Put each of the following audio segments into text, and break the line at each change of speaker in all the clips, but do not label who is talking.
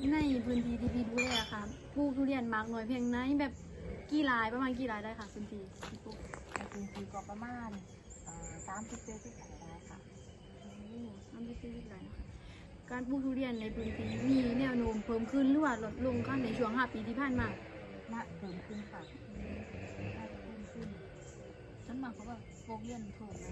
ในพื้นที่ที่พี่ดูแลค่ะปลูกทุเรียนมากน้อยเพียงไหนแบบกี่รายประมาณกี่รายได้ค่ะพื้นที่ที่ปลูก
ในพื้นที่ก็ประมาณ30-40 ไร่ได้ค่ะ
30-40 ไร่นะคะการปลูกทุเรียนในพื้นที่มีแนวโน้มเพิ่มขึ้นหรือว่าลดลงค่ะในช่วง5 ปีที่ผ่านมา
น่าเพิ่มขึ้นค่ะน่าจะเพิ่มขึ้น
ฉันมาเขาแบบโฟกเรียนถูกนะ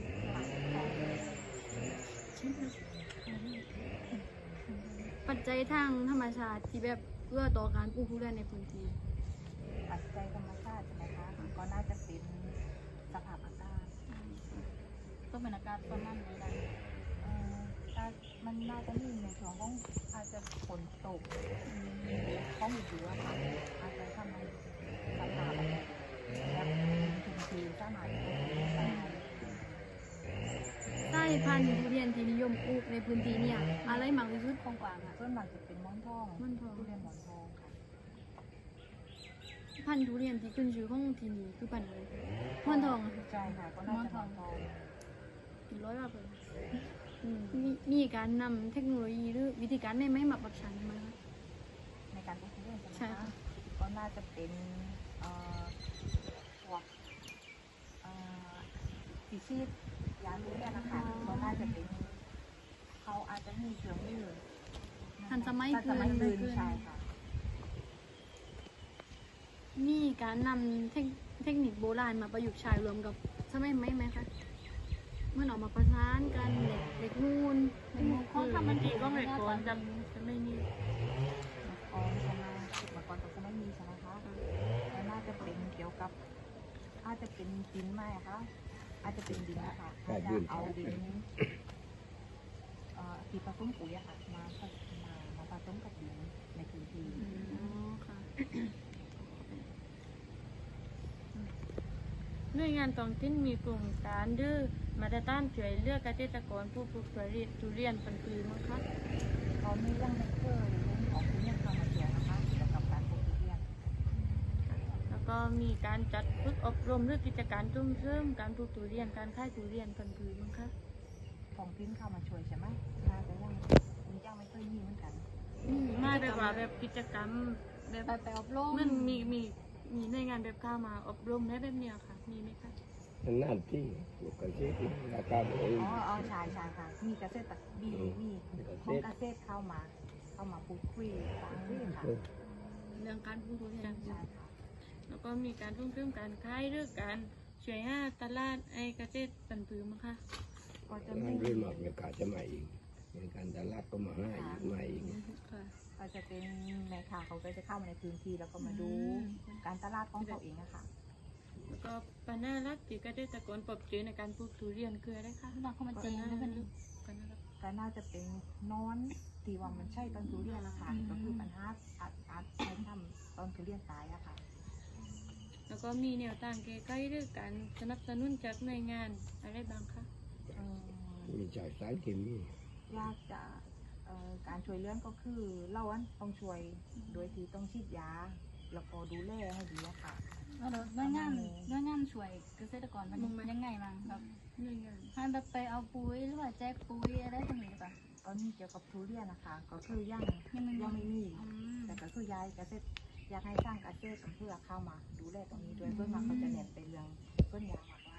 ปัจจัยทางธรรมชาติที่แบบเอื้อต่อการปลูกทุเรียนในพื้นที่
ปัจจัยธรรมชาติใช่ไหมคะก็น่าจะเป็นสภาพอากาศ
ต้องเป็นอากาศประมาณนี้ได้
ถ้ามันน่าจะมีในช่วงของอาจจะฝนตกของฤดูอะค่ะอาจจะทำให้สภาพแบบชื้นๆสามารถปลูกได้
สายพันธุ์ทุเรียนที่นิยมปลูกในพื้นที่เนี่ยอะไรมากที่สุด
กว้างๆอ่ะ
ส่วนมากจะเป็นหมอนทอง
หมอนทอง
ทุเรียนหมอนทองค่ะ
พันธุ์ทุเรียนที่ขึ้นชื่อของที่นี่คือพันธุ์อะไรหมอนทองอะค่ะ
ใช่ค่ะก็น่าจะหมอนทอง
กี่ร้อยบาทเลยมีการนำเทคโนโลยีหรือวิธีการใหม่ๆมาปรับใช้ไหมคะ
ในการปลูกทุเรียนใช่ไหม
ใช่
คะ
ค่ะ
ก็น่าจะเป็นพวกสีชีดยาทุเรียนนะคะก็น่าจะเป็นเขาอาจจะมีเครื่องมือ
ทันสมัย
ทันสมัย
ขึ้
ขึ้
น
นใช่ค่ะ
มีการนำเทคนิคโบราณมาประยุกต์ใช้รวมกับสมัยใหม่ไหมคะเมื่อออกมาประสานกันเด็กนูน
เขาทำมันดีก็ไม่ก่อนจะ
จะไม่นี่
ก่อนใช่ไหมเมื่อก่อนก็จะไม่มีใช่ไหมคะแล้วน่าจะเป็นเกี่ยวกับอาจจะเป็นดินไหมอะคะอาจจะเป็นดินนะคะอาจจะเอาดินที่ผสมปุ๋ยอะค่ะมาผสมกับดินในพื้นที่
อ๋อค่ะ
หน่วยงานท้องถิ่นมีโครงการดื้อมาตรฐานช่วยเหลือกเกษตรกรผู้ปลูกทุเรียนเป็นปีมั้งคะ
เขาไม่ยังไม่เคยเรื่องของทุเรียนเข้ามาเกี่ยวนะคะเกี่ยวกับการปลูกทุเรียน
แล้วก็มีการจัดฝึกอบรมหรือกิจการส่งเสริมการปลูกทุเรียนการขายทุเรียนเป็นปีมั้งคะ
ของทิ้นเข้ามาช่วยใช่ไหมน่าจะยังไม่เคยมีเหมือนกัน
มาแบบว่าแบบกิจกรรมแบบ
ไปอบรม
มันมีหน่วยงานแบบเข้ามาอบรมได้แบบเนี้ยค่ะมีไหมคะ
นานที่ลูกเกษตรราคาเอง
อ๋อใช่ค่ะมีเกษตรมีของเกษตรเข้ามาพูดคุยฟังค่ะ
เรื่องการปลูกทุเรียน
ใช่ค่ะ
แล้วก็มีการส่งเสริมการขายหรือการช่วยหาตลาดไอ้เกษตรเป็นปีมั้งคะ
ก็จะ
งา
มี
นเรื่องหมากเนี่ยกาจะมาเองในการตลาดก็มาให้อีกมาเอง
ค่ะ
ก็จะเป็นแม่ค้าเขาก็จะเข้ามาในพื้นที่แล้วก็มาดูการตลาดของเขาเองอะค่ะ
แล้วก็ปัญหาหลักที่เกษตรกรพบเจอในการปลูกทุเรียนคืออะไรคะ
น้องเขามาเจงแล้วมัน
ปัญหาหลัก
ก็น่าจะเป็นนอนที่ว่ามันใช่ต้นทุเรียนนะคะก็คือปัญหาอาจใช้ทำต้นทุเรียนตายอะค่ะ
แล้วก็มีแนวทางแก้ไขหรือการสนับสนุนจากหน่วยงานอะไรบ้างคะ
มีจ่ายสารเคมี
ยากจะการช่วยเลี้ยงก็คือเราต้องช่วยโดยที่ต้องฉีดยาแล้วก็ดูแลให้ดีอะค่ะ
แล้วด้วยงานช่วยเกษตรกรมันยังไงบ้างแบบ
หน่วยงาน
ให้แบบไปเอาปุ๋ยหรือว่าแจกปุ๋ยอะไรตรงนี้ป่ะ
ตอนนี้เกี่ยวกับทุเรียนนะคะก็คือยังไม่มี แต่ก็คือยายเกษตรอยากให้สร้างเกษตรเพื่อเข้ามาดูแลตรงนี้ด้วยเพื่อมาเขาจะเน้นไปเรื่องต้นยางมากกว่า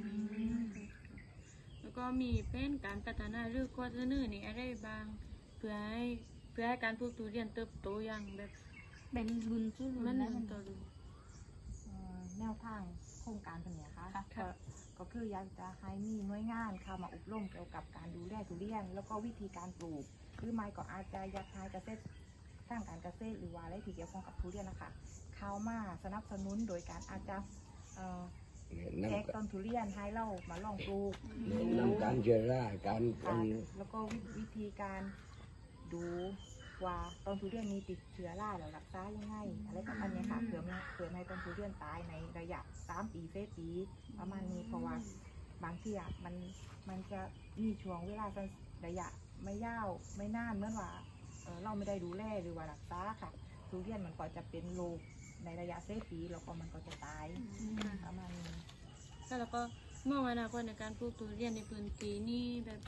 แล้วก็มีเป็นการพัฒนาหรือข้อเสนอนี่อะไรบ้างเพื่อให้การปลูกทุเรียนเติบโตอย่างแบบ
เป็นบุญสู้
มั
รุ่
น
นได้
มั
มัน น
ต่อดู
แนวทางโครงการตัวเนี้ยค่ะ
ค่ะ
ก็คืออยากจะให้มีหน่วยงานเข้ามาอบรมเกี่ยวกับการดูแลทุเรียน แล้วก็วิธีการปลูกหรือไม่ก็อาจจะอยากให้เกษตรสร้างการเกษตรหรือว่าอะไรที่เกี่ยวข้องกับทุเรียนนะคะเข้ามาสนับสนุนโดยการอาจจะแจก
นำ
ต้นทุเรียนให้เรามาลองปลูก
นำการเชื้อราการ
ค่ะแล้วก็วิธีการดูว่าต้นทุเรียนมีติดเชื้อราแล้วรักษายังไงอะไรประมาณเนี้ยค่ะเผื่อไม่ให้ต้นทุเรียนตายในระยะ3 ปี4 ปีประมาณนี้เพราะว่าบางทีมันจะมีช่วงเวลาสั้นระยะไม่ยาวไม่นานเหมื่อนว่าเราไม่ได้ดูแลหรือว่ารักษาค่ะทุเรียนมันก็จะเป็นโรคในระยะ4 ปีแล้วก็มันก็จะตายประมาณนี้
แล้วก็มองอนาคตในการปลูกทุเรียนในพื้นที่นี่แบบไป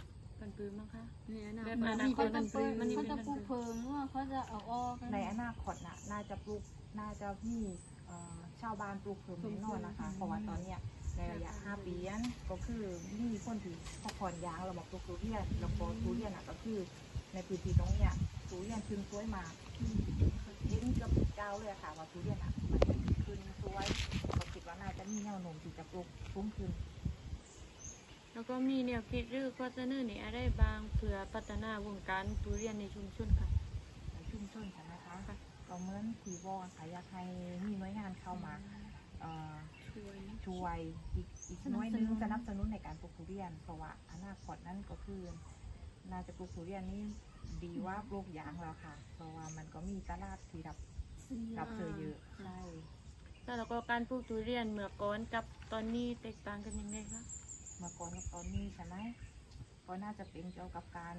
กันปืนมั้งคะ
เนี่ยนะ
แบบอนาค
เขา
ต
จะปลูก
มันนี่
เขา
เป็น
จะปลูกเพิงหรือว่าเขาจะเอาออกกัน
ในอนาคตน่าจะมีชาวบ้านปลูกเพิ่มแน่นอนนะคะ เพราะว่าตอนเนี้ยในระยะ 5 ปีนั้นก็คือมีคนที่พอผ่อนยางเรามาปลูกทุเรียนแล้วก็ทุเรียนก็คือในพื้นที่ตรงเนี้ยทุเรียนขึ้นสวยมากเห็นกับเจ้าเลยค่ะว่าทุเรียนมันขึ้นสวยก็คิดว่าน่าจะมีแนวโน้มที่จะปลูกสูงขึ้น
แล้วก็มีแนวคิดหรือข้อเสนอในอะไรบางเพื่อพัฒนาวงการทุเรียนในชุมชนค่ะ
ในชุมชนกันนะคะก็เหมือนที่วอนค่ะอยากให้มีหน่วยงานเข้ามาช่วยอีกหน่วยหนึงสนับสนุนในการปลูกทุเรียนเพราะว่าอนาคตนั้นก็คือน่าจะปลูกทุเรียนนี่ดีว่าปลูกยางแล้วค่ะ เพราะว่ามันก็มีตลาดที่รับซื้อเยอะใช่
แล้วก็การปลูกทุเรียนเมื่อก่อนกับตอนนี้แตกต่างกันยังไงคะ
เมื่อก่อนกับตอนนี้ใช่ไหมก็น่าจะเป็นเกี่ยวกับการ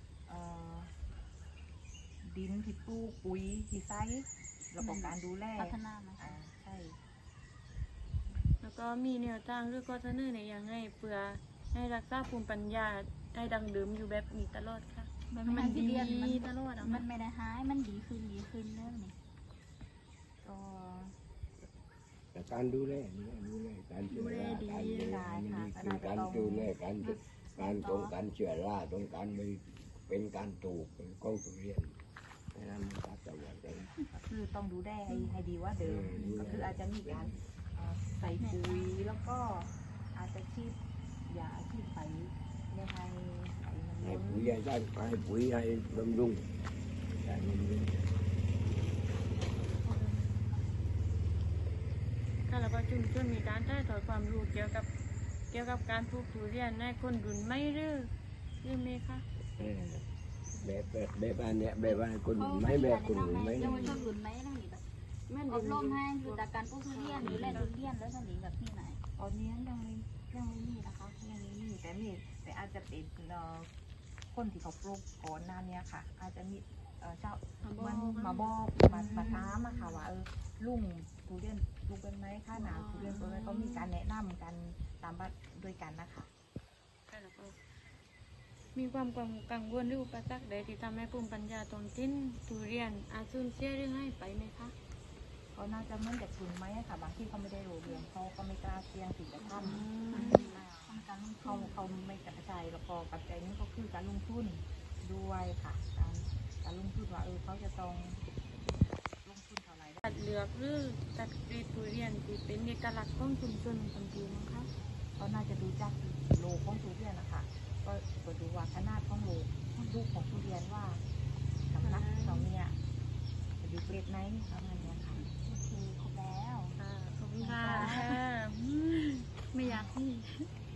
ดินที่ปลูกปุ๋ยที่ใช้แล้วก็การดูแล
พัฒนามา
ใช่
แล้วก็มีแนวทางหรือข้อเสนอในยังไงเพื่อให้รักษาภูมิปัญญาให้ดังเดิมอยู่แบบนี้ตลอดค่ะ
มันไม่ได้เรียนมัน
ตลอดอ่ะ
มันไม่ได้หายมันดีขึ้นแล้วนี่
ก็
แต่การดูแลการเชื้อราการดูแลมันดีคือการดูแลการตรงการเชื้อราตรงการไม่เป็นการปลูกเป็นกล้องทุเรียนนั้นมันก็จะว่ากัน
คือต้องดูแลให้ดีว่าเดิมก็คืออาจจะมีการใส่ปุ๋ยแล้วก็อาจจะชีดยาชีดไฟในไฟมัน
ให้
ล้น
ปุ๋ยให้ปุ๋ยให้บำรุงใช่บำรุง
ค่ะแล้วก็ชุมชนมีการถ่ายทอดความรู้เกี่ยวกับการปลูกทุเรียนให้คนรุ่นไม่หรือไม่คะ
แบบอันเนี้ยแบบอันคนไม่แบบคนไม่
เยาวชนรุ่นไหมนั่นนี่แบบอบรมให้คือจากการปลูกทุเรียนหรือแลทุเรียนแล้วนั่นนี่แบบที่ไหน
ตอนนี้ยังไม่มีนะคะยังไม่มีแต่อาจจะเป็นคนที่เขาปลูกก่อนหน้านี้ค่ะ อาจจะมีเจ้ามันมาบอกมาถามอะค่ะว่าลุงทุเรียนปลูกเป็นไหมค่าหนาทุเรียนปลูกเป็นก็มีการแนะนำกันตามบ้านด้วยกันนะคะ
ค่ะแล้วก็มีความกังวลหรืออุปสรรคใดที่ทำให้ภูมิปัญญาท้องถิ่นทุเรียนอาจสูญเสียหรือให้ไปไหมคะ
ก็น่าจะเหมือนเด็กทุนไหมอะค่ะบางที่เขาไม่ได้รู้เรื่องเขาก็ไม่กล้าเสี่ยงที่จะท
ต้องการลง
ำ
ทุน
เขาไม่กระจายแล้วก็ปัจจัยนี้ก็คือการลงทุนด้วยค่ะการลงทุนว่าเขาจะต้องลงทุนเท่าไหร่
จัดเลือกหรือจัดกรีดทุเรียนที่เป็นเอกลักษณ์ของชุมชนคนดีมั้งคะ
ก็น่าจะดูจากโลของทุเรียนนะคะก็ดูว่าขนาดของโลลูกของทุเรียนว่าน้ำหนักเราเนี่ยจะดูเกรดไหนประมาณเนี้ยค่ะ
โอเคครบแล้ว
ค่ะขอบคุณค่ะ
ไม่อยากที่
ค